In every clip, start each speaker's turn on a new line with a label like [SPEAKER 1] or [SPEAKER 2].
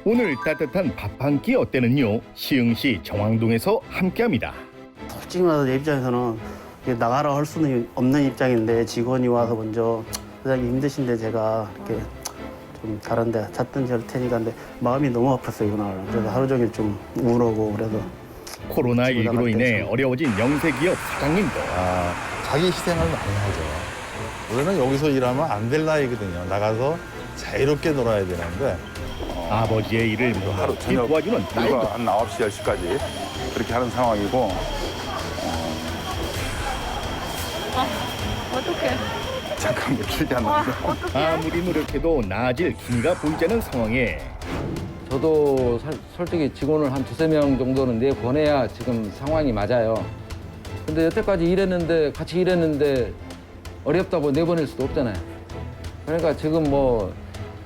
[SPEAKER 1] 오늘 따뜻한 밥 한 끼 어때는요. 시흥시 정왕동에서 함께합니다.
[SPEAKER 2] 솔직히 말해서 내 입장에서는 이게 나가라 할 수는 없는 입장인데 직원이 와서 먼저 사장님 힘드신데 제가 이렇게 좀 다른 데 찾든지 할 테니까 근데 마음이 너무 아팠어요 이날. 그래서 하루 종일 좀 우울하고 그래서
[SPEAKER 1] 코로나19로 인해 어려워진 영세기업 사장님도
[SPEAKER 3] 자기 희생을 많이 하죠. 우리는 여기서 일하면 안 될 나이거든요. 나가서 자유롭게 놀아야 되는데
[SPEAKER 1] 아버지의 일을
[SPEAKER 4] 하루
[SPEAKER 1] 묵묵히
[SPEAKER 4] 저녁
[SPEAKER 1] 도와주는 딸도
[SPEAKER 4] 일과 한 9시, 10시까지 그렇게 하는 상황이고
[SPEAKER 5] 어떡해.
[SPEAKER 4] 잠깐 뭐 길지 않는데
[SPEAKER 1] 아무리 노력해도 나아질 기미가 보이지 않는 상황에
[SPEAKER 6] 저도 솔직히 직원을 한 두세 명 정도는 내보내야 지금 상황이 맞아요. 근데 여태까지 일했는데 같이 일했는데 어렵다고 내보낼 수도 없잖아요. 그러니까 지금 뭐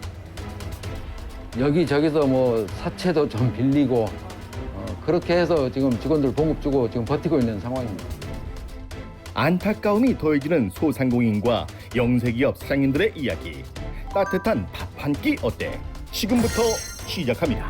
[SPEAKER 6] 여기저기서 뭐 사채도 좀 빌리고 그렇게 해서 지금 직원들 봉급 주고 지금 버티고 있는 상황입니다.
[SPEAKER 1] 안타까움이 더해지는 소상공인과 영세기업 사장님들의 이야기. 따뜻한 밥 한 끼 어때? 지금부터 시작합니다.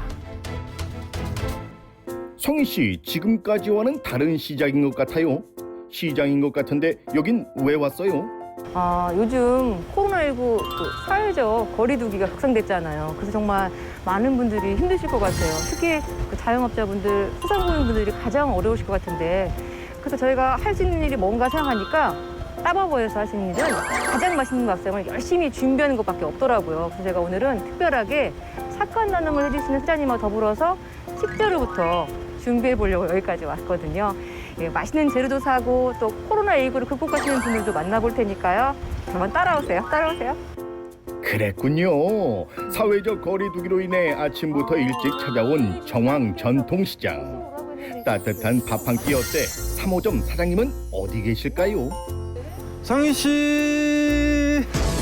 [SPEAKER 1] 성희 씨, 지금까지와는 다른 시작인 것 같아요. 시장인 것 같은데 여긴 왜 왔어요?
[SPEAKER 5] 요즘 코로나19 사회적 거리두기가 확산됐잖아요. 그래서 정말 많은 분들이 힘드실 것 같아요. 특히 그 자영업자분들, 소상공인분들이 가장 어려우실 것 같은데 그래서 저희가 할 수 있는 일이 뭔가 생각하니까 따바버에서 할 수 있는 일은 가장 맛있는 밥상을 열심히 준비하는 것밖에 없더라고요. 그래서 제가 오늘은 특별하게 착한 나눔을 해주시는 사장님과 더불어서 식재료부터 준비해 보려고 여기까지 왔거든요. 예, 맛있는 재료도 사고 또 코로나19를 극복하시는 분들도 만나볼 테니까요. 한번 따라오세요. 따라오세요.
[SPEAKER 1] 그랬군요. 사회적 거리두기로 인해 아침부터 일찍 찾아온 정왕 전통시장. 따뜻한 밥 한 끼 어때? 3호점 사장님은 어디 계실까요?
[SPEAKER 7] 성희 씨.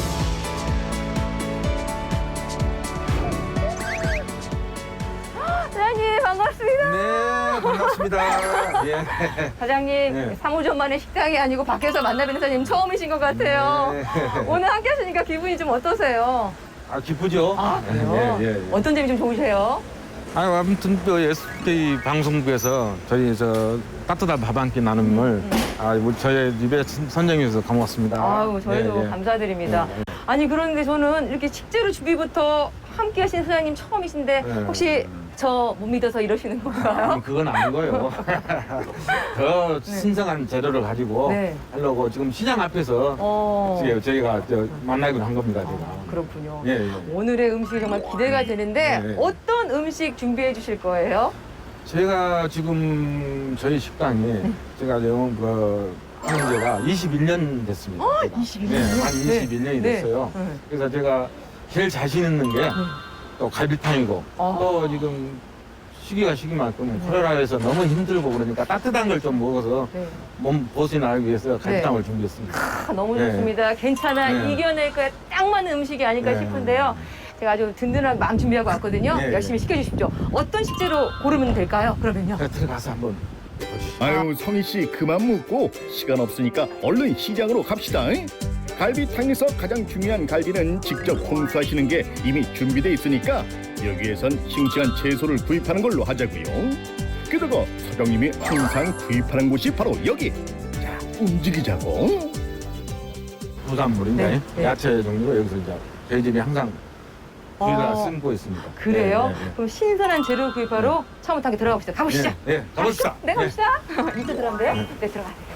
[SPEAKER 5] 사장님 반갑습니다.
[SPEAKER 7] 네, 반갑습니다. 예.
[SPEAKER 5] 사장님,
[SPEAKER 7] 네.
[SPEAKER 5] 3호점 만의 식당이 아니고 밖에서 만나뵙는 사장님 처음이신 것 같아요.
[SPEAKER 7] 네.
[SPEAKER 5] 오늘 함께 하시니까 기분이 좀 어떠세요?
[SPEAKER 7] 아, 기쁘죠?
[SPEAKER 5] 그래요?
[SPEAKER 7] 예, 예, 예.
[SPEAKER 5] 어떤 점이 좀 좋으세요?
[SPEAKER 7] 아무튼 또 SK 방송국에서 저희 따뜻한 밥 한 끼 나눔을 저희 입에 선정해 주셔서 고맙습니다.
[SPEAKER 5] 아유, 저희도
[SPEAKER 7] 예, 예.
[SPEAKER 5] 감사드립니다.
[SPEAKER 7] 예, 예.
[SPEAKER 5] 아니, 그런데 저는 이렇게 식재료 준비부터 함께 하신 사장님 처음이신데
[SPEAKER 7] 네.
[SPEAKER 5] 혹시 저 못 믿어서 이러시는 건가요?
[SPEAKER 7] 그건 아닌 거예요. 더 신선한 재료를 가지고
[SPEAKER 5] 네.
[SPEAKER 7] 하려고 지금 시장 앞에서 저희가 만나기로 한 겁니다. 제가.
[SPEAKER 5] 그렇군요.
[SPEAKER 7] 예, 예.
[SPEAKER 5] 오늘의 음식이 정말 기대가 되는데
[SPEAKER 7] 네.
[SPEAKER 5] 어떤 음식 준비해 주실 거예요?
[SPEAKER 7] 제가 지금 저희 식당이 제가 지금 하는 지가 21년 됐습니다. 제가.
[SPEAKER 5] 21년?
[SPEAKER 7] 네, 한 21년이 됐어요.
[SPEAKER 5] 네.
[SPEAKER 7] 그래서 제가 제일 자신 있는 게 또 갈비탕이고 또 지금 시기만큼 코로나에서 너무 힘들고 그러니까 따뜻한 걸 좀 먹어서
[SPEAKER 5] 네.
[SPEAKER 7] 몸 보신하기 위해서 갈비탕을 준비했습니다.
[SPEAKER 5] 너무
[SPEAKER 7] 네.
[SPEAKER 5] 좋습니다. 괜찮아.
[SPEAKER 7] 네.
[SPEAKER 5] 이겨낼 거에 딱 맞는 음식이 아닐까
[SPEAKER 7] 네.
[SPEAKER 5] 싶은데요. 제가 아주 든든한 마음 준비하고 왔거든요.
[SPEAKER 7] 네.
[SPEAKER 5] 열심히 시켜주십시오. 어떤 식재료 고르면 될까요? 그러면요.
[SPEAKER 7] 제가 들어가서 한번 보시죠.
[SPEAKER 1] 아유, 성희 씨 그만 묻고 시간 없으니까 얼른 시장으로 갑시다. 갈비탕에서 가장 중요한 갈비는 직접 홍수하시는 게 이미 준비돼 있으니까 여기에선 싱싱한 채소를 구입하는 걸로 하자고요. 게다가 사장님이 항상 구입하는 곳이 바로 여기. 자, 움직이자고.
[SPEAKER 7] 부산물인데
[SPEAKER 5] 네, 네.
[SPEAKER 7] 야채 종류로 여기서 이제 저희 집이 항상 저희가 쓰고 있습니다.
[SPEAKER 5] 그래요?
[SPEAKER 7] 네, 네, 네.
[SPEAKER 5] 그럼 신선한 재료 구입하러 차문탕에 들어가 봅시다. 가보시죠.
[SPEAKER 7] 네, 가봅시다.
[SPEAKER 5] 네, 가봅시다. 이쪽 들어간대요? 네, 들어가세요.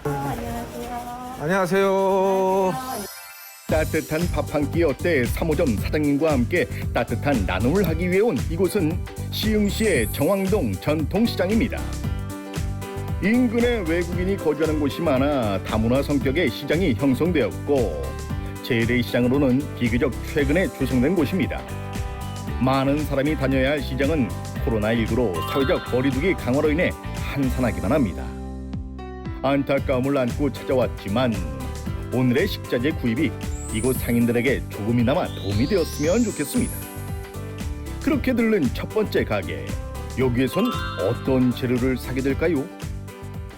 [SPEAKER 7] 안녕하세요.
[SPEAKER 1] 따뜻한 밥 한 끼 어때? 3호점 사장님과 함께 따뜻한 나눔을 하기 위해 온 이곳은 시흥시의 정왕동 전통시장입니다. 인근에 외국인이 거주하는 곳이 많아 다문화 성격의 시장이 형성되었고 재래시장으로는 비교적 최근에 조성된 곳입니다. 많은 사람이 다녀야 할 시장은 코로나19로 사회적 거리두기 강화로 인해 한산하기만 합니다. 안타까움을 안고 찾아왔지만 오늘의 식자재 구입이 이곳 상인들에게 조금이나마 도움이 되었으면 좋겠습니다. 그렇게 들른 첫 번째 가게. 여기에선 어떤 재료를 사게 될까요?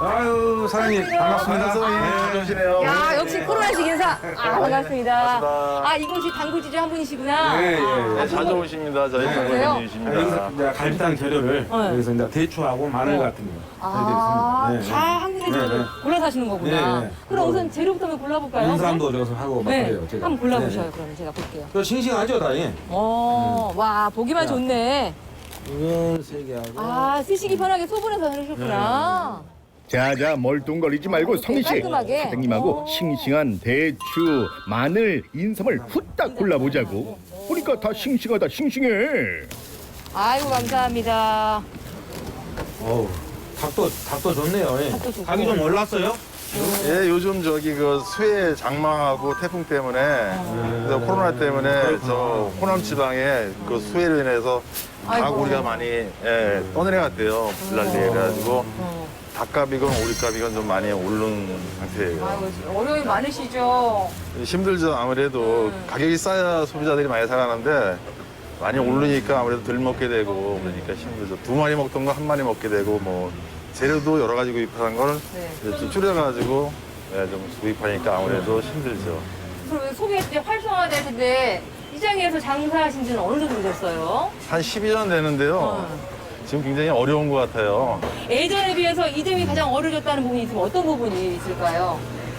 [SPEAKER 7] 아유 사장님 반갑습니다.
[SPEAKER 4] 잘 오시네요.
[SPEAKER 5] 야, 역시 코로나식 인사. 아, 반갑습니다. 아, 이곳이 당구지주 한 분이시구나.
[SPEAKER 7] 예, 예, 예.
[SPEAKER 5] 아,
[SPEAKER 4] 자주 오십니다. 저희
[SPEAKER 5] 그래요?
[SPEAKER 4] 장모님이십니다.
[SPEAKER 7] 여기서 이제 갈비탕 재료를
[SPEAKER 5] 네.
[SPEAKER 7] 여기서 이제 대추하고 마늘 같은 거
[SPEAKER 5] 아,
[SPEAKER 7] 해드리겠습니다.
[SPEAKER 5] 다 한 군데
[SPEAKER 7] 네, 네.
[SPEAKER 5] 골라서 하시는 거구나.
[SPEAKER 7] 네, 네.
[SPEAKER 5] 그럼 우선 재료부터 한번 골라볼까요?
[SPEAKER 7] 인삼도 저기서 하고 막
[SPEAKER 5] 네,
[SPEAKER 7] 그래요. 제가.
[SPEAKER 5] 한번 골라보셔요.
[SPEAKER 7] 네, 네.
[SPEAKER 5] 그러면 제가 볼게요.
[SPEAKER 7] 또 싱싱하죠, 다이?
[SPEAKER 5] 와, 보기만
[SPEAKER 7] 자.
[SPEAKER 5] 좋네.
[SPEAKER 7] 이건 3개 하고.
[SPEAKER 5] 아, 쓰시기 편하게 소분해서 해주셨구나.
[SPEAKER 1] 자자 멀뚱거리지 말고 성희 씨,
[SPEAKER 5] 깔끔하게.
[SPEAKER 1] 사장님하고
[SPEAKER 5] 오.
[SPEAKER 1] 싱싱한 대추, 마늘, 인삼을 후딱 골라보자고. 보니까 다 싱싱하다 싱싱해.
[SPEAKER 5] 아이고, 감사합니다.
[SPEAKER 7] 어우, 닭도 좋네요. 예.
[SPEAKER 5] 닭도 좋고.
[SPEAKER 7] 닭이 좀 올랐어요?
[SPEAKER 4] 예, 요즘 저기 그 수해 장마하고 태풍 때문에 그래서 코로나 때문에 저 호남 지방에 그 수해로 인해서
[SPEAKER 5] 아이고.
[SPEAKER 4] 닭 우리가 많이 떠내려갔대요. 불난리에 그래가지고 닭값이건 오리값이건 좀 많이 오른 상태예요.
[SPEAKER 5] 아이고, 어려움이 많으시죠?
[SPEAKER 4] 힘들죠. 아무래도 가격이 싸야 소비자들이 많이 사가는데 많이 오르니까 아무래도 덜 먹게 되고 그러니까 힘들죠. 2마리 먹던 거 1마리 먹게 되고 뭐 재료도 여러 가지 구입하는 걸
[SPEAKER 5] 네.
[SPEAKER 4] 이제 좀 줄여가지고 좀 구입하니까 아무래도 힘들죠.
[SPEAKER 5] 그럼 소개 때 활성화될 텐데 시장에서 장사하신 지는 어느 정도 되셨어요?
[SPEAKER 4] 한 12년 되는데요. 지금 굉장히 어려운 것 같아요.
[SPEAKER 5] 예전에 비해서 이 점이 가장 어려졌다는 부분이 있으면 어떤 부분이 있을까요?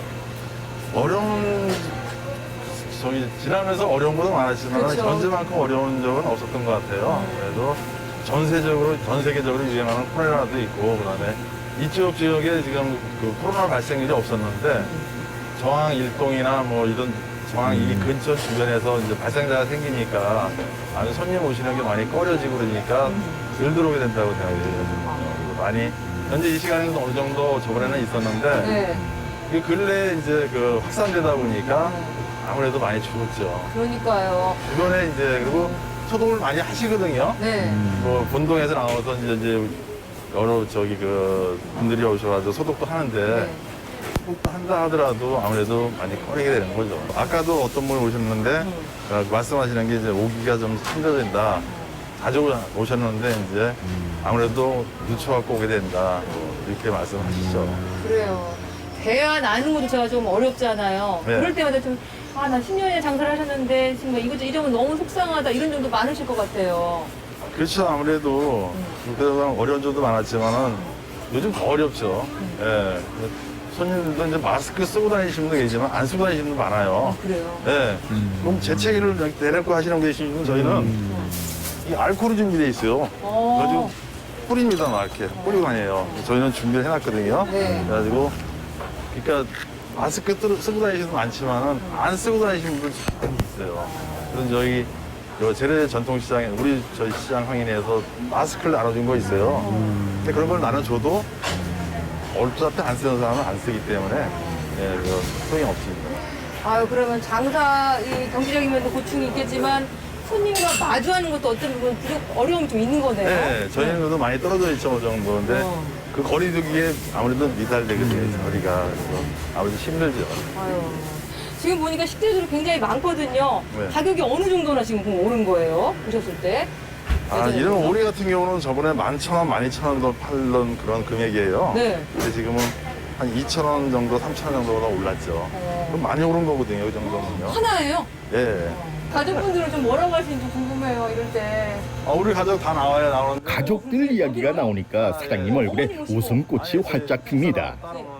[SPEAKER 4] 어려운 저기 지나면서 어려운 것도 많았지만
[SPEAKER 5] 그쵸.
[SPEAKER 4] 현재만큼 어려운 적은 없었던 것 같아요. 그래도 전 세계적으로 유행하는 코로나도 있고 그다음에 이쪽 지역에 지금 그 코로나 발생률이 없었는데 저항 일동이나 뭐 이런 저항 이 근처 주변에서 이제 발생자가 생기니까 아주 손님 오시는 게 많이 꺼려지고 그러니까 덜 들어오게 된다고 생각해요. 그리고 많이 현재 이 시간에는 어느 정도 저번에는 있었는데
[SPEAKER 5] 네.
[SPEAKER 4] 이 근래 이제 그 확산되다 보니까 아무래도 많이 줄었죠.
[SPEAKER 5] 그러니까요.
[SPEAKER 4] 주변에 이제 그리고 소독을 많이 하시거든요.
[SPEAKER 5] 네.
[SPEAKER 4] 뭐 본동에서 나와서 이제 여러 저기 그 분들이 오셔가지고 소독도 하는데
[SPEAKER 5] 네.
[SPEAKER 4] 소독도 한다 하더라도 아무래도 많이 꺼리게 되는 거죠. 아까도 어떤 분이 오셨는데 말씀하시는 게 이제 오기가 좀 힘들어진다. 자주 오셨는데 이제 아무래도 늦춰갖고 오게 된다. 뭐 이렇게 말씀하시죠.
[SPEAKER 5] 그래요. 대화 나누는 것도 제가 좀 어렵잖아요.
[SPEAKER 4] 네.
[SPEAKER 5] 그럴 때마다 좀, 아, 나 10년이나 장사를 하셨는데, 지금 이것저것 이러면 너무 속상하다, 이런 점도 많으실 것 같아요.
[SPEAKER 4] 그렇죠. 아무래도 그동안 어려운 점도 많았지만은 요즘 더 어렵죠. 예. 손님들도 이제 마스크 쓰고 다니시는 분도 계시지만 안 쓰고 다니시는 분도 많아요.
[SPEAKER 5] 그래요.
[SPEAKER 4] 예. 그럼 재채기를 내놓고 하시는 분 계시면 저희는 이 알코올이 준비돼 있어요. 그래가지고 뿌립니다. 막 이렇게 뿌리고 다녀요. 저희는 준비를 해놨거든요.
[SPEAKER 5] 네.
[SPEAKER 4] 그래가지고 그러니까 마스크 쓰고 다니시는 분 많지만은 안 쓰고 다니시는 분들 좀 있어요. 그래서 저희 재래 전통시장에 저희 시장 항인에서 마스크를 나눠준 거 있어요. 근데 그런 걸 나눠줘도 어차피 안 쓰는 사람은 안 쓰기 때문에 그거 소용이 없습니다.
[SPEAKER 5] 아유, 그러면 장사, 이 경제적인 면도 고충이 있겠지만, 손님과 마주하는 것도 어떤 부분 어려움이 좀 있는 거네요.
[SPEAKER 4] 네, 저희는 그래도 많이 떨어져 있죠, 그 정도인데 그 거리두기에 아무래도 미달되거든요, 거리가. 그래서 아무래도 힘들죠.
[SPEAKER 5] 아유. 지금 보니까 식재료들이 굉장히 많거든요.
[SPEAKER 4] 네.
[SPEAKER 5] 가격이 어느 정도나 지금 그럼 오른 거예요? 보셨을 때?
[SPEAKER 4] 이런 오리 같은 경우는 저번에 11,000원, 12,000원도 팔던 그런 금액이에요.
[SPEAKER 5] 네.
[SPEAKER 4] 근데 지금은 한 2,000원 정도, 3,000원 정도가 올랐죠. 그럼 많이 오른 거거든요, 그 정도면요.
[SPEAKER 5] 하나예요?
[SPEAKER 4] 예.
[SPEAKER 5] 가족분들은 좀 뭐라고 하시는지 궁금해요, 이럴 때.
[SPEAKER 4] 우리 가족 다 나오는데.
[SPEAKER 1] 가족들 이야기가 나오니까 사장님 얼굴에 웃음꽃이 활짝 핍니다.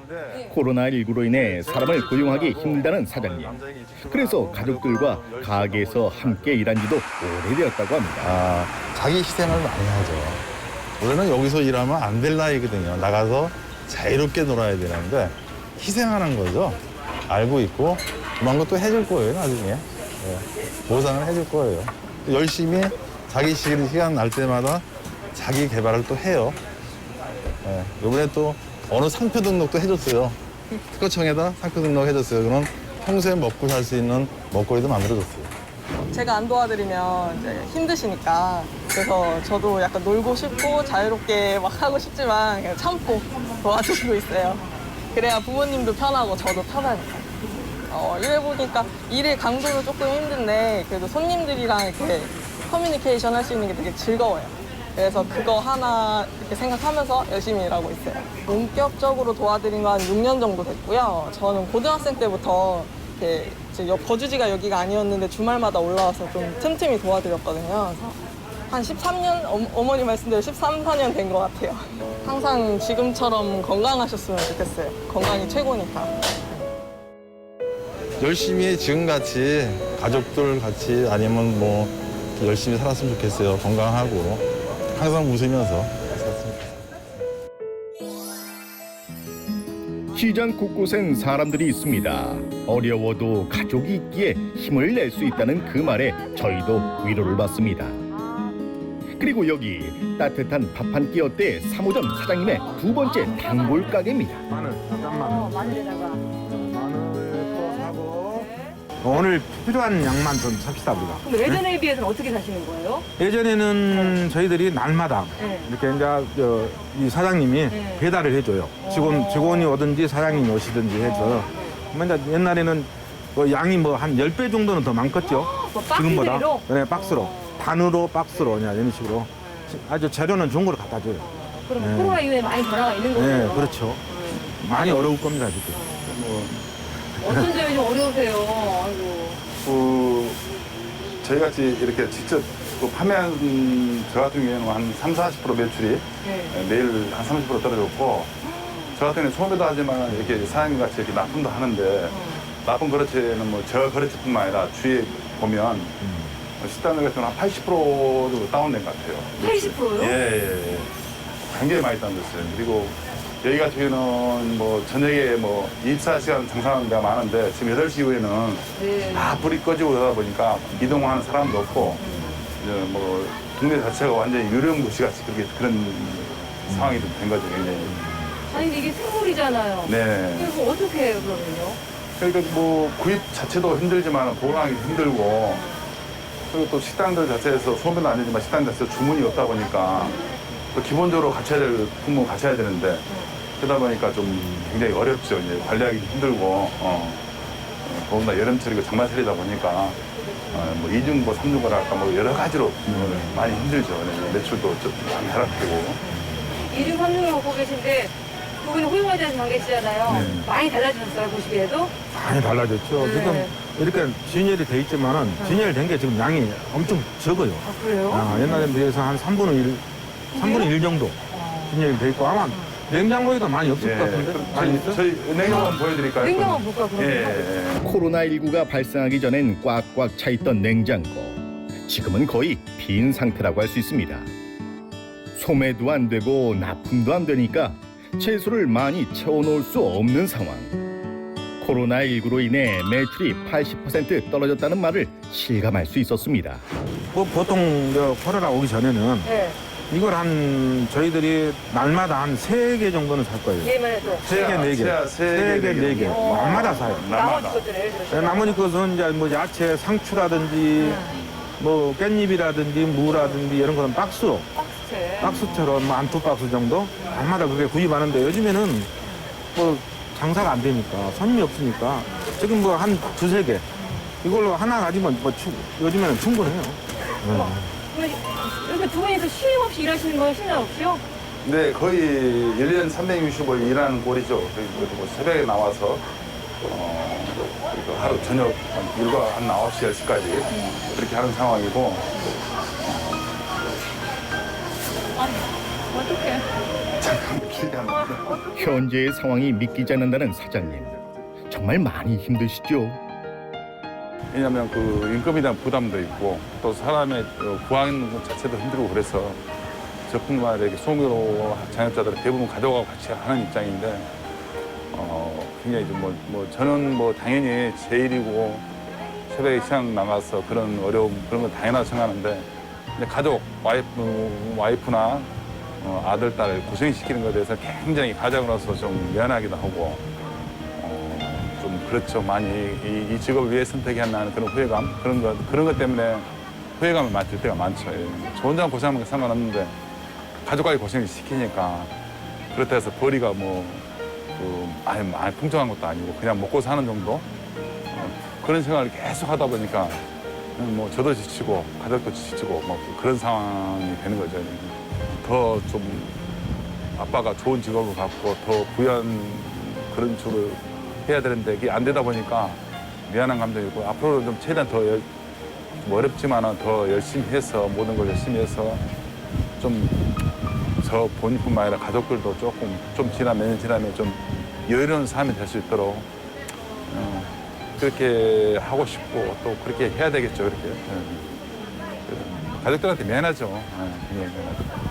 [SPEAKER 1] 코로나19로 인해 사람을 고용하기 힘들다는 사장님. 그래서 가족들과 가게에서 함께 일한 지도 오래되었다고 합니다.
[SPEAKER 3] 자기 희생을 많이 하죠. 원래는 여기서 일하면 안 될 나이거든요. 나가서 자유롭게 놀아야 되는데 희생하는 거죠. 알고 있고 그만 것도 해줄 거예요, 나중에. 예, 보상을 해줄 거예요. 열심히 자기 시간 날 때마다 자기 개발을 또 해요. 예, 이번에 또 어느 상표 등록도 해줬어요. 특허청에다 상표 등록 해줬어요. 그럼 평소에 먹고 살 수 있는 먹거리도 만들어줬어요.
[SPEAKER 8] 제가 안 도와드리면 이제 힘드시니까 그래서 저도 약간 놀고 싶고 자유롭게 막 하고 싶지만 그냥 참고 도와주시고 있어요. 그래야 부모님도 편하고 저도 편하니까. 일해보니까 일의 강도는 조금 힘든데 그래도 손님들이랑 이렇게 커뮤니케이션 할 수 있는 게 되게 즐거워요. 그래서 그거 하나 이렇게 생각하면서 열심히 일하고 있어요. 본격적으로 도와드린 거 한 6년 정도 됐고요. 저는 고등학생 때부터 이렇게 이제 거주지가 여기가 아니었는데 주말마다 올라와서 좀 틈틈이 도와드렸거든요. 그래서 한 13년, 어머니 말씀대로 13, 14년 된 것 같아요. 항상 지금처럼 건강하셨으면 좋겠어요. 건강이 최고니까.
[SPEAKER 3] 열심히 지금같이 가족들 같이 아니면 뭐 열심히 살았으면 좋겠어요. 건강하고 항상 웃으면서 살았으면 좋겠어요.
[SPEAKER 1] 시장 곳곳엔 사람들이 있습니다. 어려워도 가족이 있기에 힘을 낼 수 있다는 그 말에 저희도 위로를 받습니다. 그리고 여기 따뜻한 밥 한 끼 어때 3호점 사장님의 두 번째 단골 가게입니다.
[SPEAKER 7] 마늘, 잠깐만.
[SPEAKER 5] 마늘에다가.
[SPEAKER 7] 마늘 또 사고. 오늘 필요한 양만 좀 삽시다, 우리가.
[SPEAKER 5] 그럼 예전에 비해서는 어떻게 사시는 거예요?
[SPEAKER 7] 예전에는 저희들이 날마다
[SPEAKER 5] 네.
[SPEAKER 7] 이렇게 이제 이 사장님이
[SPEAKER 5] 네.
[SPEAKER 7] 배달을 해줘요. 직원이 오든지 사장님이 오시든지 해서. 그러면 이제 옛날에는 뭐 양이 뭐 한 10배 정도는 더 많겠죠.
[SPEAKER 5] 뭐 박스
[SPEAKER 7] 지금보다.
[SPEAKER 5] 대로?
[SPEAKER 7] 네, 박스로. 단으로 박스로 그냥 이런 식으로. 아주 재료는 좋은 걸 갖다 줘요.
[SPEAKER 5] 그럼
[SPEAKER 7] 네.
[SPEAKER 5] 코로나 이후에 많이 변화가 있는 거예요?
[SPEAKER 7] 네, 그렇죠. 많이 어려울 겁니다, 지금.
[SPEAKER 5] 어떤 점이 좀 어려우세요? 아이고.
[SPEAKER 4] 저희같이 이렇게 직접 판매하는 저 같은 경우에는 한 30~40% 매출이
[SPEAKER 5] 네.
[SPEAKER 4] 매일 한 30% 떨어졌고 저 같은 경우는 소매도 하지만 이렇게 사장님같이 이렇게 납품도 하는데 납품 거래처에는 뭐 저 거래처뿐만 아니라 주위에 보면 식당들 같은 경우는 한 80% 정도 다운된 것 같아요.
[SPEAKER 5] 80%요?
[SPEAKER 4] 예. 굉장히 많이 다운됐어요. 그리고 여기 같은 경우는 뭐 저녁에 뭐 24시간 장사하는 데가 많은데 지금 8시 이후에는
[SPEAKER 5] 네.
[SPEAKER 4] 다 불이 꺼지고 그러다 보니까 이동하는 사람도 없고 이제 뭐 동네 자체가 완전히 유령 도시 같이 그런 상황이 좀 된 거죠, 굉장히.
[SPEAKER 5] 아니 근데 이게 생물이잖아요.
[SPEAKER 4] 네.
[SPEAKER 5] 그래서 어떻게 해요 그러면요?
[SPEAKER 4] 그러니까 뭐 구입 자체도 힘들지만 보관하기 힘들고 그리고 또 식당들 자체에서 소매는 아니지만 식당 자체에서 주문이 없다 보니까 또 기본적으로 갖춰야 될 품목 갖춰야 되는데 그러다 보니까 좀 굉장히 어렵죠. 이제 관리하기 힘들고 더군다나 여름철이고 장마철이다 보니까 뭐 2중고, 3중고라 할까 뭐 여러 가지로 많이 힘들죠. 매출도 좀 많이 하락되고.
[SPEAKER 5] 2중, 3중을 먹고 계신데 그분이 호용화되는 관계시잖아요. 많이 달라지셨어요 보시기에도?
[SPEAKER 7] 많이 달라졌죠.
[SPEAKER 5] 네.
[SPEAKER 7] 지금 이렇게 진열이 돼 있지만은 진열된 게 지금 양이 엄청 적어요.
[SPEAKER 5] 아 그래요?
[SPEAKER 7] 옛날에 비해서 한 3분의 1 정도 진열이 돼 있고 아마 냉장고에도 많이 없을 것 같은데? 많이 있어?
[SPEAKER 4] 저희 냉장고 한번 보여드릴까요?
[SPEAKER 5] 냉장고 한번 볼까 그러면?
[SPEAKER 4] 예.
[SPEAKER 1] 코로나19가 발생하기 전엔 꽉꽉 차 있던 냉장고. 지금은 거의 빈 상태라고 할 수 있습니다. 소매도 안 되고 납품도 안 되니까 채소를 많이 채워놓을 수 없는 상황. 코로나19로 인해 매출이 80% 떨어졌다는 말을 실감할 수 있었습니다.
[SPEAKER 7] 뭐 보통 코로나 오기 전에는
[SPEAKER 5] 네.
[SPEAKER 7] 이걸 저희들이 날마다 한 3개 정도는 살 거예요.
[SPEAKER 5] 얘만 해도
[SPEAKER 7] 3개, 4개.
[SPEAKER 4] 세 개,
[SPEAKER 7] 4개. 날마다 사요.
[SPEAKER 5] 나머지 것들 예를 들어서
[SPEAKER 7] 나머지 것은 이제 뭐 야채, 상추라든지 뭐 깻잎이라든지 무라든지 이런 거는 박스로
[SPEAKER 5] 박스채.
[SPEAKER 7] 박스처럼 한 2박스 정도 날마다 그게 구입하는데 요즘에는 뭐 장사가 안 되니까 손님이 없으니까 지금 뭐 한 2~3개 이걸로 하나 가지면 뭐 요즘에는 충분해요.
[SPEAKER 5] 그러면 이렇게 두 분이서 쉼 없이 일하시는 거예요? 쉬는 없이요?
[SPEAKER 4] 네, 거의 1년 365일 일하는 꼴이죠. 그래서 뭐 새벽에 나와서 그리고 하루 저녁 일과 한 9시, 10시까지 그렇게 하는 상황이고
[SPEAKER 5] 어떡해.
[SPEAKER 1] 현재의 상황이 믿기지 않는다는 사장님. 정말 많이 힘드시죠?
[SPEAKER 4] 왜냐하면 그 임금에 대한 부담도 있고 또 사람의 구하는 것 자체도 힘들고 그래서 저뿐만 아니라 소규모 자영업자들은 대부분 가족하고 같이 하는 입장인데 굉장히 좀 저는 뭐 당연히 제 일이고 새벽에 시장 나가서 그런 어려움 그런 건 당연하다고 생각하는데 근데 가족 와이프나 아들 딸 고생시키는 것에 대해서 굉장히 가장으로서 좀 미안하기도 하고 좀 그렇죠. 많이 이 직업을 위해 선택했나 그런 후회감 그런 것 때문에 후회감을 맡을 때가 많죠. 예. 저 혼자 고생하는 게 상관없는데 가족까지 고생을 시키니까 그렇다 해서 벌이가 많이 풍성한 것도 아니고 그냥 먹고 사는 정도 그런 생활을 계속 하다 보니까 뭐 저도 지치고 가족도 지치고 뭐 그런 상황이 되는 거죠. 더 좀 아빠가 좋은 직업을 갖고 더 부연 그런 쪽으로 해야 되는데 그게 안 되다 보니까 미안한 감정이 있고 앞으로 좀 최대한 더 좀 어렵지만은 더 열심히 해서 모든 걸 열심히 해서 좀 저 본인뿐만 아니라 가족들도 조금 좀 몇 년 지나면 좀 여유로운 삶이 될 수 있도록 그렇게 하고 싶고 또 그렇게 해야 되겠죠. 그렇게 가족들한테 미안하죠. 미안하죠.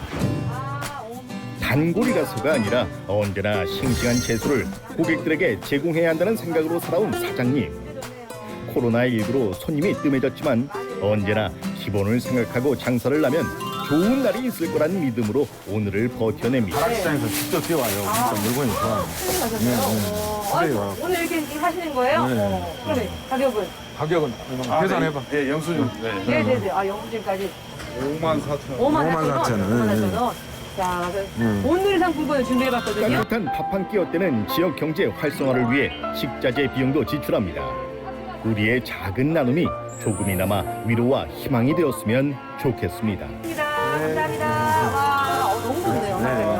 [SPEAKER 1] 단골이라서가 아니라 언제나 싱싱한 채소를 고객들에게 제공해야 한다는 생각으로 살아온 사장님. 코로나19로 손님이 뜸해졌지만 언제나 기본을 생각하고 장사를 하면 좋은 날이 있을 거라는 믿음으로 오늘을 버텨냅니다.
[SPEAKER 7] 가락시장에서 직접 뛰어와요. 진짜 물건이 좋아요. 그래요.
[SPEAKER 5] 오늘 이렇게 하시는 거예요?
[SPEAKER 7] 네.
[SPEAKER 5] 그러면 가격은?
[SPEAKER 7] 가격은 계산해봐.
[SPEAKER 4] 네, 영수증.
[SPEAKER 5] 네네네. 아, 영수증까지
[SPEAKER 4] 54,000원.
[SPEAKER 5] 54,000원. 자, 오늘 상품권을 준비해봤거든요.
[SPEAKER 1] 따뜻한 밥 한 끼 어때는 지역 경제 활성화를 위해 식자재 비용도 지출합니다. 우리의 작은 나눔이 조금이나마 위로와 희망이 되었으면 좋겠습니다.
[SPEAKER 5] 감사합니다. 와, 너무 좋네요.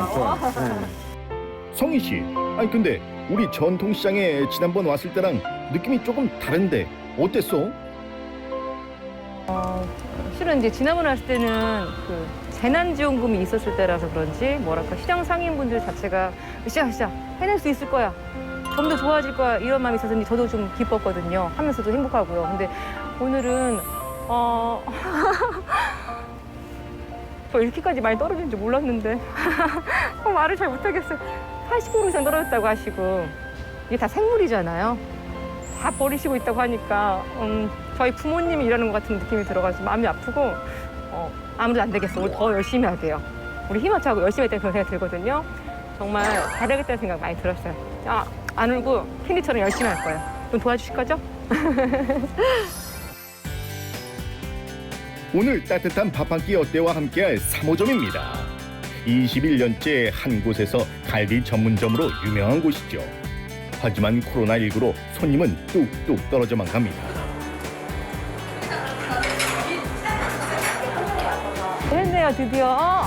[SPEAKER 1] 성희 씨, 아니 근데 우리 전통시장에 지난번 왔을 때랑 느낌이 조금 다른데 어땠어?
[SPEAKER 5] 실은 이제 지난번에 왔을 때는 그 재난지원금이 있었을 때라서 그런지 뭐랄까 시장 상인분들 자체가 으쌰으쌰 해낼 수 있을 거야. 좀 더 좋아질 거야 이런 마음이 있어서 저도 좀 기뻤거든요. 하면서도 행복하고요. 근데 오늘은 저 이렇게까지 많이 떨어진 줄 몰랐는데 말을 잘 못하겠어요. 80% 이상 떨어졌다고 하시고 이게 다 생물이잖아요. 다 버리시고 있다고 하니까 저희 부모님이 일하는 것 같은 느낌이 들어가지고 마음이 아프고 아무도 안 되겠어. 우리 더 열심히 해야 돼요. 우리 힘맞춰하고 열심히 했다는 그런 생각이 들거든요. 정말 잘하겠다는 생각 많이 들었어요. 안 울고 캔디처럼 열심히 할 거예요. 좀 도와주실 거죠?
[SPEAKER 1] 오늘 따뜻한 밥 한 끼 어때와 함께할 3호점입니다. 21년째 한 곳에서 갈비 전문점으로 유명한 곳이죠. 하지만 코로나19로 손님은 뚝뚝 떨어져만 갑니다.
[SPEAKER 5] 했네요, 드디어.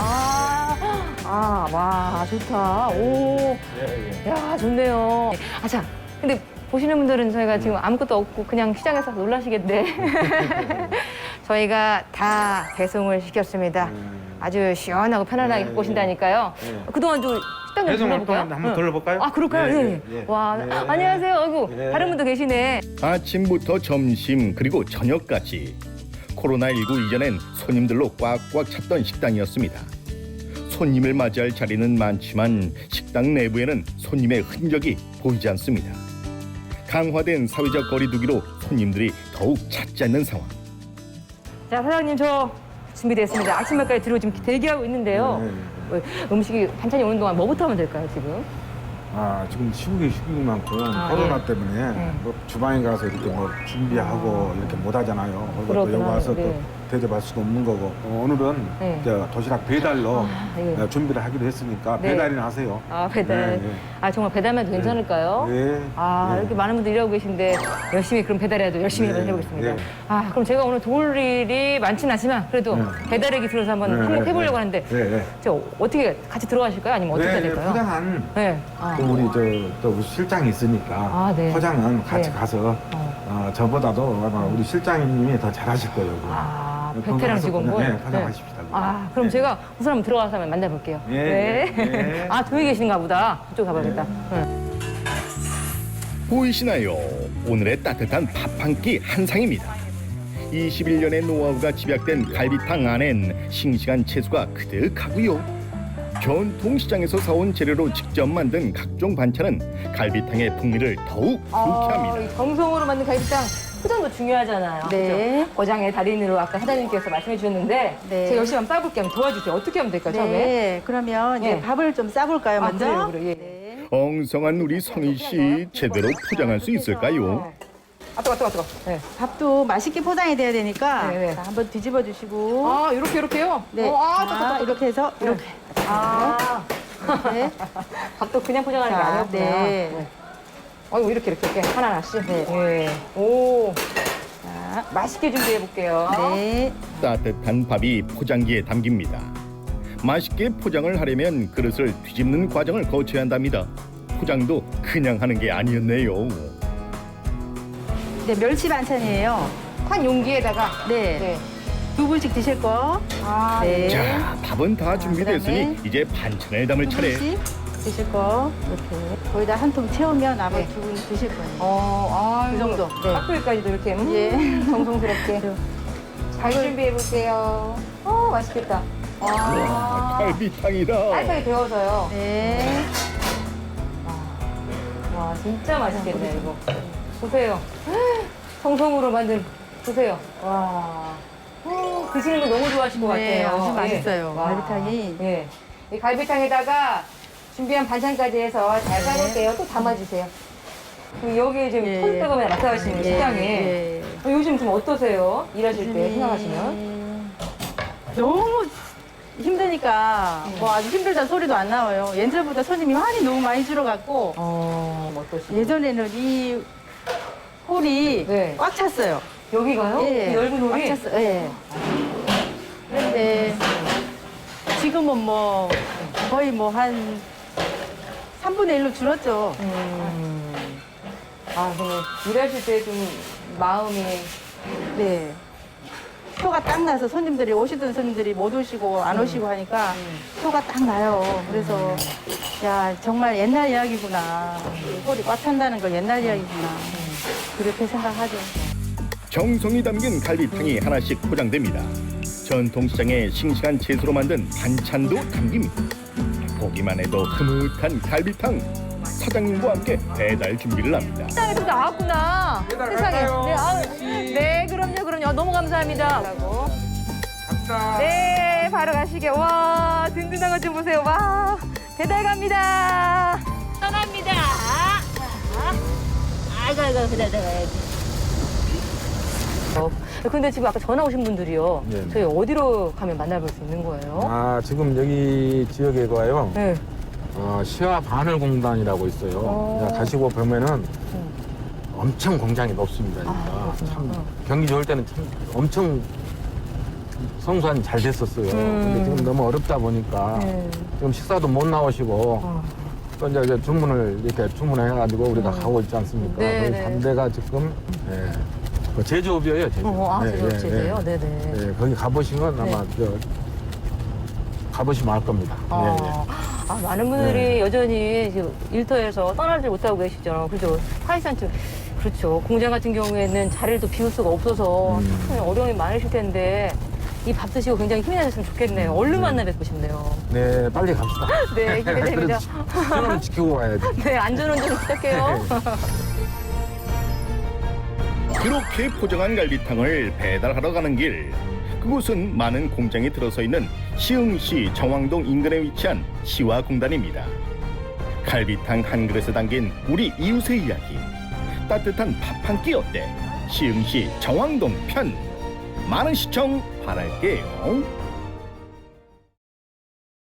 [SPEAKER 5] 와, 좋다. 오. 야, 좋네요. 자, 근데 보시는 분들은 저희가 지금 아무것도 없고 그냥 시장에서 놀라시겠네. 저희가 다 배송을 시켰습니다. 아주 시원하고 편안하게 갖고 오신다니까요. 그동안 좀 식당 좀 둘러볼까요?
[SPEAKER 7] 한번 둘러볼까요?
[SPEAKER 5] 아, 그럴까요? 네. 와, 안녕하세요. 아이고, 다른 분도 계시네.
[SPEAKER 1] 아침부터 점심 그리고 저녁까지 코로나19 이전엔 손님들로 꽉꽉 찼던 식당이었습니다. 손님을 맞이할 자리는 많지만 식당 내부에는 손님의 흔적이 보이지 않습니다. 강화된 사회적 거리두기로 손님들이 더욱 찾지 않는 상황.
[SPEAKER 5] 자, 사장님 저 준비됐습니다. 아침밥까지 들어 지금 대기하고 있는데요. 음식이 반찬이 오는 동안 뭐부터 하면 될까요, 지금?
[SPEAKER 7] 지금 시국이 시국만큼 코로나
[SPEAKER 5] 예.
[SPEAKER 7] 때문에 뭐 주방에 가서 이렇게 뭐 준비하고 이렇게 못 하잖아요. 그리고 또
[SPEAKER 5] 그렇구나.
[SPEAKER 7] 여기 와서
[SPEAKER 5] 네.
[SPEAKER 7] 또 대접할 수도 없는 거고 오늘은
[SPEAKER 5] 네.
[SPEAKER 7] 저 도시락 배달로
[SPEAKER 5] 예.
[SPEAKER 7] 준비를 하기로 했으니까
[SPEAKER 5] 네.
[SPEAKER 7] 배달이나 하세요.
[SPEAKER 5] 배달.
[SPEAKER 7] 네,
[SPEAKER 5] 정말 배달만 해도 괜찮을까요?
[SPEAKER 7] 네. 네.
[SPEAKER 5] 이렇게 많은 분들이 일하고 계신데 열심히 그럼 배달해도 열심히
[SPEAKER 7] 네.
[SPEAKER 5] 해보겠습니다.
[SPEAKER 7] 네.
[SPEAKER 5] 그럼 제가 오늘 도울 일이 많진 않지만 그래도 배달액이 들어서 한번
[SPEAKER 7] 네,
[SPEAKER 5] 한몫해보려고
[SPEAKER 7] 네.
[SPEAKER 5] 하는데
[SPEAKER 7] 네, 네.
[SPEAKER 5] 저 어떻게 같이 들어가실까요? 아니면 어떻게 해야 될까요?
[SPEAKER 7] 포장한
[SPEAKER 5] 네.
[SPEAKER 7] 또 우리 또 우리 실장이 있으니까
[SPEAKER 5] 네.
[SPEAKER 7] 포장은 같이
[SPEAKER 5] 네.
[SPEAKER 7] 가서 저보다도 아마 우리 실장님이 더 잘하실 거예요.
[SPEAKER 5] 베테랑 직원분?
[SPEAKER 7] 네, 포장하십시다.
[SPEAKER 5] 그럼
[SPEAKER 7] 네.
[SPEAKER 5] 제가 우선 한번 들어가서 한번 만나볼게요.
[SPEAKER 7] 네. 네.
[SPEAKER 5] 저기 계신가 보다. 그쪽 가봐야겠다.
[SPEAKER 1] 보이시나요? 오늘의 따뜻한 밥 한 끼 한상입니다. 21년의 노하우가 집약된 갈비탕 안엔 싱싱한 채소가 그득하고요. 전통시장에서 사온 재료로 직접 만든 각종 반찬은 갈비탕의 풍미를 더욱 불쾌합니다.
[SPEAKER 5] 이 정성으로 만든 갈비탕 포장도 중요하잖아요.
[SPEAKER 9] 네.
[SPEAKER 5] 그죠? 고장의 달인으로 아까 사장님께서 말씀해 주셨는데
[SPEAKER 9] 네.
[SPEAKER 5] 제가 열심히 한번 싸볼게요. 한번 도와주세요. 어떻게 하면 될까요, 처음에?
[SPEAKER 9] 네, 그러면 이제
[SPEAKER 5] 네.
[SPEAKER 9] 밥을 좀 싸볼까요, 먼저?
[SPEAKER 5] 그래요. 예.
[SPEAKER 9] 네.
[SPEAKER 1] 엉성한 우리 성희 씨 제대로 포장할 수 있을까요?
[SPEAKER 5] 뜨거. 네.
[SPEAKER 9] 밥도 맛있게 포장이 돼야 되니까
[SPEAKER 5] 네, 네.
[SPEAKER 9] 자, 한번 뒤집어 주시고
[SPEAKER 5] 이렇게요?
[SPEAKER 9] 네. 이렇게 해서 이렇게 네.
[SPEAKER 5] 밥도 그냥 포장하는 게
[SPEAKER 9] 자,
[SPEAKER 5] 아니었구나.
[SPEAKER 9] 네.
[SPEAKER 5] 이렇게 하나씩.
[SPEAKER 9] 네.
[SPEAKER 5] 오.
[SPEAKER 9] 자, 자,
[SPEAKER 5] 맛있게 준비해 볼게요.
[SPEAKER 9] 네.
[SPEAKER 1] 따뜻한 밥이 포장기에 담깁니다. 맛있게 포장을 하려면 그릇을 뒤집는 과정을 거쳐야 한답니다. 포장도 그냥 하는 게 아니었네요.
[SPEAKER 9] 네, 멸치 반찬이에요.
[SPEAKER 5] 한 용기에다가
[SPEAKER 9] 네.
[SPEAKER 5] 네.
[SPEAKER 9] 두 분씩 드실 거.
[SPEAKER 5] 아,
[SPEAKER 9] 네.
[SPEAKER 1] 자, 밥은 다 준비됐으니
[SPEAKER 9] 그다음에
[SPEAKER 1] 이제 반찬을 담을
[SPEAKER 9] 두
[SPEAKER 1] 차례.
[SPEAKER 9] 분씩 드실 거. 이렇게. 거기다 한 통 채우면 나머지
[SPEAKER 5] 네.
[SPEAKER 9] 두 분 드실 거예요.
[SPEAKER 5] 아,
[SPEAKER 9] 그 정도. 네.
[SPEAKER 5] 깍두기까지도 이렇게
[SPEAKER 9] 예.
[SPEAKER 5] 정성스럽게 잘 준비해 볼게요. 맛있겠다.
[SPEAKER 1] 와, 갈비탕이다.
[SPEAKER 5] 깔끔하게 데워서요.
[SPEAKER 9] 네.
[SPEAKER 5] 와, 진짜 맛있겠네 이거. 보세요. 정성으로 만든 보세요. 와. 드시는 거 너무 좋아하실 것
[SPEAKER 9] 네,
[SPEAKER 5] 같아요.
[SPEAKER 9] 아주
[SPEAKER 5] 예.
[SPEAKER 9] 맛있어요.
[SPEAKER 5] 와.
[SPEAKER 9] 갈비탕이.
[SPEAKER 5] 예. 이 갈비탕에다가 준비한 반찬까지 해서 잘 싸놓을게요. 또 담아주세요. 그리고 여기 지금
[SPEAKER 9] 예,
[SPEAKER 5] 손뜨거면 낙타하시는 식당에
[SPEAKER 9] 예.
[SPEAKER 5] 요즘 좀 어떠세요? 일하실 때 생각하시면?
[SPEAKER 9] 너무 힘드니까 뭐 아주 힘들다는 소리도 안 나와요. 예전보다 손님이 너무 많이 줄어갖고
[SPEAKER 5] 어떠시죠?
[SPEAKER 9] 예전에는 이 홀이
[SPEAKER 5] 네.
[SPEAKER 9] 꽉 찼어요.
[SPEAKER 5] 여기가요?
[SPEAKER 9] 예.
[SPEAKER 5] 이 넓은 홀이?
[SPEAKER 9] 꽉 찼어요. 예. 그런데 지금은 뭐 거의 뭐 한 3분의 1로 줄었죠.
[SPEAKER 5] 그러면 일하실 때 좀 마음이
[SPEAKER 9] 네. 표가 딱 나서 손님들이 오시던 손님들이 못 오시고 안 오시고 하니까 표가 딱 나요. 그래서 야 정말 옛날 이야기구나. 홀이 꽉 찬다는 걸 옛날 이야기구나. 그렇게 생각하죠.
[SPEAKER 1] 정성이 담긴 갈비탕이 하나씩 포장됩니다. 전통시장의 싱싱한 채소로 만든 반찬도 담깁니다. 보기만 해도 흐뭇한 갈비탕. 사장님과 함께 배달 준비를 합니다.
[SPEAKER 5] 세상에 또 나왔구나. 세상에. 네, 그럼요. 너무 감사합니다. 네, 바로 가시게. 와, 든든한 것 좀 보세요. 와, 배달 갑니다. 떠납니다. 아이고, 배달 가야지. 근데 지금 아까 전화 오신 분들이요.
[SPEAKER 7] 네.
[SPEAKER 5] 저희 어디로 가면 만나볼 수 있는 거예요?
[SPEAKER 7] 지금 여기 지역에가요.
[SPEAKER 5] 네.
[SPEAKER 7] 시와 바늘공단이라고 있어요. 그냥 가시고 보면은 엄청 공장이 높습니다. 그러니까 참 경기 좋을 때는 참 엄청 성수한 잘 됐었어요. 근데 지금 너무 어렵다 보니까 지금 식사도 못 나오시고 또 이제 주문을 이렇게 주문해가지고 우리가 가고 있지 않습니까?
[SPEAKER 5] 네,
[SPEAKER 7] 거기
[SPEAKER 5] 네.
[SPEAKER 7] 담대가 지금 그 제조업이에요. 제조업.
[SPEAKER 5] 제조업체세요? 네네.
[SPEAKER 7] 네, 거기 가보시면 아마 가보시면 알 겁니다.
[SPEAKER 5] 많은 분들이 여전히 지금 일터에서 떠나지 못하고 계시죠. 그죠? 사실상 좀, 그렇죠. 공장 같은 경우에는 자리를 또 비울 수가 없어서 참 어려움이 많으실 텐데 이 밥 드시고 굉장히 힘이 나셨으면 좋겠네요. 얼른 만나 뵙고 싶네요.
[SPEAKER 7] 네, 빨리 갑시다.
[SPEAKER 5] 네, 기대됩니다.
[SPEAKER 7] 저는 지키고 가야지.
[SPEAKER 5] 네, 안전운전 부탁해요.
[SPEAKER 1] 그렇게 포장한 갈비탕을 배달하러 가는 길. 그곳은 많은 공장이 들어서 있는 시흥시 정왕동 인근에 위치한 시화공단입니다. 갈비탕 한 그릇에 담긴 우리 이웃의 이야기. 따뜻한 밥 한 끼 어때? 시흥시 정왕동 편. 많은 시청 바랄게요.